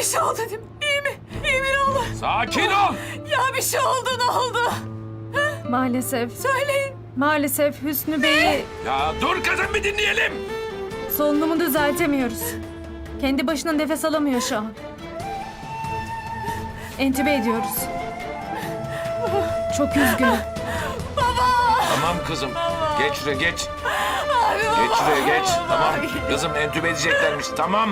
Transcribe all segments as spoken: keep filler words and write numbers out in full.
bir şey oldu değil mi? İyi mi? İyi mi ne olur? Sakin ol. Ya bir şey oldu ne oldu? Maalesef. Söyleyin. Maalesef Hüsnü Bey'i Ya dur kızım bir dinleyelim. solunumu düzeltemiyoruz. Kendi başına nefes alamıyor şu an. Entübe ediyoruz. Çok üzgünüm. Tamam kızım. Geç şuraya geç. Abi, baba, Geç şuraya geç. baba. Tamam. Kızım entübe edeceklermiş. Tamam.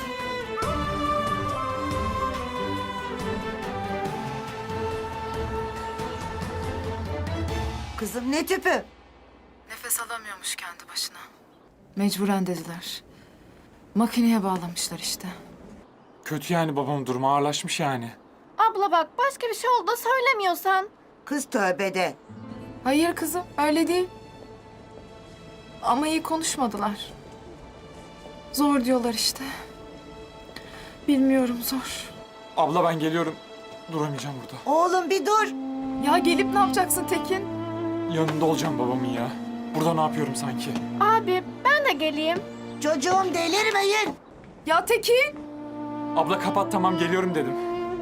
Kızım ne tüpü? Nefes alamıyormuş kendi başına. Mecburen dediler. Makineye bağlamışlar işte. Kötü yani babam durumu ağırlaşmış yani. Abla bak başka bir şey oldu da söylemiyorsan. Kız tövbede. Hayır kızım öyle değil. Ama iyi konuşmadılar. Zor diyorlar işte. Bilmiyorum zor. Abla ben geliyorum. Duramayacağım burada. Oğlum bir dur. Ya gelip ne yapacaksın Tekin? Yanında olacağım babamın ya. Burada ne yapıyorum sanki? Abi ben de geleyim. Çocuğum delirmeyin. Ya Tekin! Abla kapat tamam geliyorum dedim.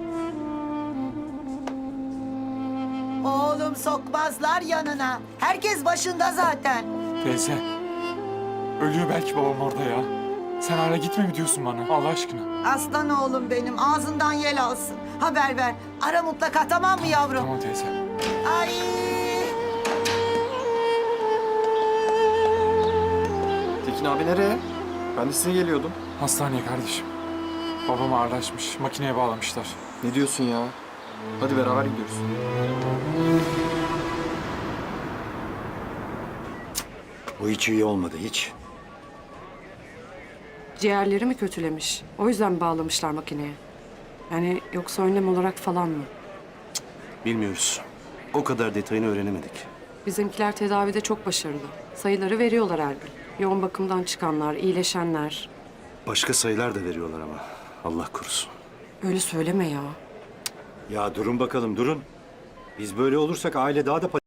Oğlum sokmazlar yanına. Herkes başında zaten. Teyze. Ölüyor belki babam orada ya. Sen hala gitme mi diyorsun bana Allah aşkına? Aslan oğlum benim ağzından yel alsın. Haber ver. Ara mutlaka tamam mı yavrum? Tamam teyze. Ay. Tekin abi nereye? Ben de size geliyordum. Hastaneye kardeşim. Babam ağırlaşmış. Makineye bağlamışlar. Ne diyorsun ya? Hadi beraber gidiyoruz. Bu hiç iyi olmadı hiç. Ciğerleri mi kötülemiş? O yüzden mi bağlamışlar makineye? Yani yoksa önlem olarak falan mı? Bilmiyoruz. O kadar detayını öğrenemedik. Bizimkiler tedavide çok başarılı. Sayıları veriyorlar her gün. Yoğun bakımdan çıkanlar, iyileşenler. Başka sayılar da veriyorlar ama. Allah korusun. Öyle söyleme ya. Ya durun bakalım durun. Biz böyle olursak aile daha da